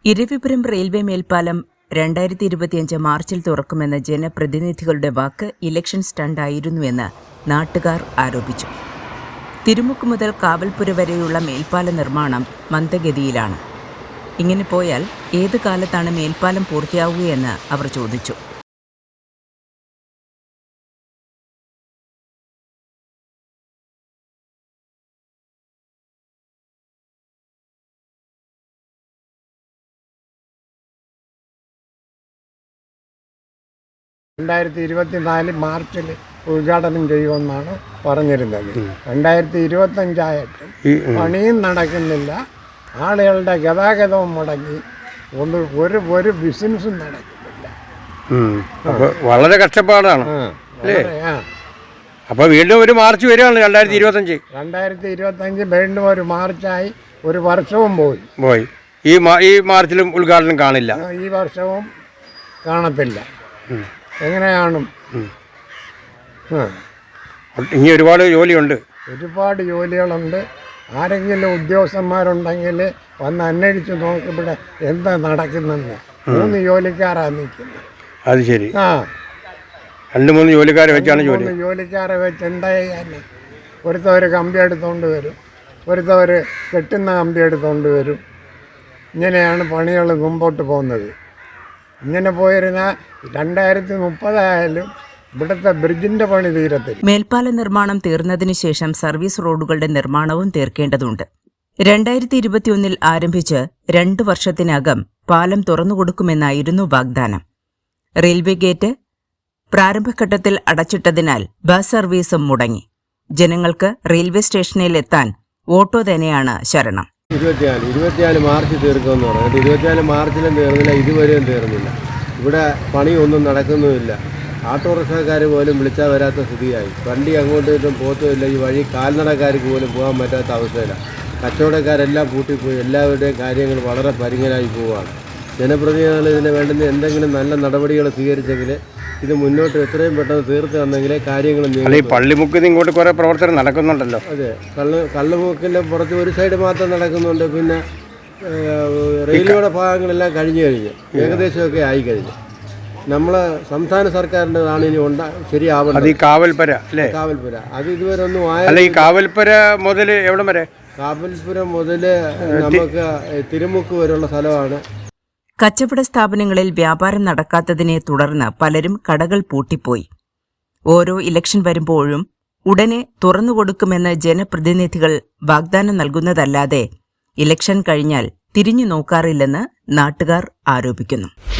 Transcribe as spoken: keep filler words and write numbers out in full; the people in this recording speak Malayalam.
ഇരവിപുരം റെയിൽവേ മേൽപ്പാലം രണ്ടായിരത്തി ഇരുപത്തിയഞ്ച് മാർച്ചിൽ തുറക്കുമെന്ന ജനപ്രതിനിധികളുടെ വാക്ക് ഇലക്ഷൻ സ്റ്റണ്ടായിരുന്നുവെന്ന് നാട്ടുകാർ ആരോപിച്ചു. തിരുമുക്ക് മുതൽ കാവൽപുര വരെയുള്ള മേൽപ്പാല നിർമ്മാണം മന്ദഗതിയിലാണ്. ഇങ്ങനെ പോയാൽ ഏത് കാലത്താണ് മേൽപ്പാലം പൂർത്തിയാവുകയെന്ന് അവർ ചോദിച്ചു. രണ്ടായിരത്തി ഇരുപത്തിനാല് മാർച്ചിൽ ഉദ്ഘാടനം ചെയ്യുമെന്നാണ് പറഞ്ഞിരുന്നത്. രണ്ടായിരത്തി ഇരുപത്തഞ്ചായിട്ടും പണിയും നടക്കുന്നില്ല, ആളുകളുടെ ഗതാഗതവും മുടങ്ങി, ഒന്ന് ഒരു ഒരു ബിസിനസ്സും നടക്കുന്നില്ല. വളരെ കഷ്ടപ്പാടാണ്. അപ്പൊ വീണ്ടും ഒരു മാർച്ച് വരികയാണ് രണ്ടായിരത്തി ഇരുപത്തഞ്ച് രണ്ടായിരത്തി ഇരുപത്തഞ്ച് വീണ്ടും ഒരു മാർച്ചായി ഒരു വർഷവും പോയി പോയി ഈ ഈ മാർച്ചിലും ഉദ്ഘാടനം കാണില്ല. ഈ വർഷവും കാണത്തില്ല. എങ്ങനെയാണ്? ഇനി ഒരുപാട് ജോലിയുണ്ട്, ഒരുപാട് ജോലികളുണ്ട്. ആരെങ്കിലും ഉദ്യോഗസ്ഥന്മാരുണ്ടെങ്കിൽ വന്ന് അന്വേഷിച്ച് നോക്കിവിടെ എന്താ നടക്കുന്നെന്ന്. മൂന്ന് ജോലിക്കാരാണ് നിൽക്കുന്നത്. അത് ശരി. ആ രണ്ട് മൂന്ന് ജോലിക്കാരെ വെച്ചാണ് ജോലി. മൂന്ന് ജോലിക്കാരെ വെച്ച് എന്താ ചെയ്യാൻ? ഒരുത്തവർ കമ്പി എടുത്തുകൊണ്ട് വരും, ഒരുത്തവർ കെട്ടുന്ന കമ്പി എടുത്തുകൊണ്ട് വരും. ഇങ്ങനെയാണ് പണികൾ മുമ്പോട്ട് പോകുന്നത്. ഇങ്ങനെ പോയിരുന്നാൽ രണ്ടായിരത്തി മുപ്പതായാലും ഇവിടുത്തെ ബ്രിഡ്ജിന്റെ പണി തീരത്തില്ല. മേൽപ്പാല നിർമ്മാണം തീർന്നതിനു ശേഷം സർവീസ് റോഡുകളുടെ നിർമ്മാണവും തീർക്കേണ്ടതുണ്ട്. രണ്ടായിരത്തി ഇരുപത്തിയൊന്നിൽ ആരംഭിച്ച് രണ്ടു വർഷത്തിനകം പാലം തുറന്നുകൊടുക്കുമെന്നായിരുന്നു വാഗ്ദാനം. റെയിൽവേ ഗേറ്റ് പ്രാരംഭഘട്ടത്തിൽ അടച്ചിട്ടതിനാൽ ബസ് സർവീസും മുടങ്ങി. ജനങ്ങൾക്ക് റെയിൽവേ സ്റ്റേഷനിൽ എത്താൻ ഓട്ടോ തന്നെയാണ് ശരണം. ഇരുപത്തിനാല് ഇരുപത്തിനാല് മാർച്ച് തീർക്കുമെന്ന് പറഞ്ഞിട്ട് ഇരുപത്തിനാല് മാർച്ചിലും തീർന്നില്ല, ഇതുവരെയും തീർന്നില്ല. ഇവിടെ പണിയൊന്നും നടക്കുന്നുമില്ല. ഓട്ടോറിക്ഷക്കാർ പോലും വിളിച്ചാൽ വരാത്ത സ്ഥിതിയായി. വണ്ടി അങ്ങോട്ടും ഇട്ടും പോത്തുമില്ല. ഈ വഴി കാൽനടക്കാർക്ക് പോലും പോകാൻ പറ്റാത്ത അവസ്ഥയിലാണ്. കച്ചവടക്കാരെല്ലാം പൂട്ടിപ്പോയി. എല്ലാവരുടെയും കാര്യങ്ങൾ വളരെ പരിങ്ങലായി പോവുകയാണ്. ജനപ്രതിനിധികൾ ഇതിന് വേണ്ടുന്ന എന്തെങ്കിലും നല്ല നടപടികൾ സ്വീകരിച്ചെങ്കിൽ ഇത് മുന്നോട്ട് എത്രയും പെട്ടെന്ന് തീർത്ത് തന്നെങ്കിലേ കാര്യങ്ങൾ. ഈ പള്ളിമുക്കിൽ ഇങ്ങോട്ട് കുറേ പ്രവർത്തനം നടക്കുന്നുണ്ടല്ലോ. അതെ, കള്ള് കള്ളുമുക്കിൻ്റെ പുറത്ത് ഒരു സൈഡ് മാത്രം നടക്കുന്നുണ്ട്. പിന്നെ റെയിൽവേയുടെ ഭാഗങ്ങളെല്ലാം കഴിഞ്ഞു കഴിഞ്ഞു, ഏകദേശമൊക്കെ ആയി കഴിഞ്ഞു. നമ്മളെ സംസ്ഥാന സർക്കാരിൻ്റെതാണ് ഇനി ഉണ്ടാ ശരിയാവുന്നത്. ഈ കാവൽപുര അല്ലേ? കാവൽപുര അത് ഇതുവരെ ഒന്നും ആയ. ഈ കാവൽപുര മുതൽ എവിടം വരെ? കാവൽപുരം മുതൽ നമുക്ക് തിരുമുക്ക് വരെയുള്ള സ്ഥലമാണ്. കച്ചവട സ്ഥാപനങ്ങളിൽ വ്യാപാരം നടക്കാത്തതിനെ തുടർന്ന് പലരും കടകൾ പൂട്ടിപ്പോയി. ഓരോ ഇലക്ഷൻ വരുമ്പോഴും ഉടനെ തുറന്നുകൊടുക്കുമെന്ന് ജനപ്രതിനിധികൾ വാഗ്ദാനം നൽകുന്നതല്ലാതെ ഇലക്ഷൻ കഴിഞ്ഞാൽ തിരിഞ്ഞു നോക്കാറില്ലെന്ന് നാട്ടുകാർ ആരോപിക്കുന്നു.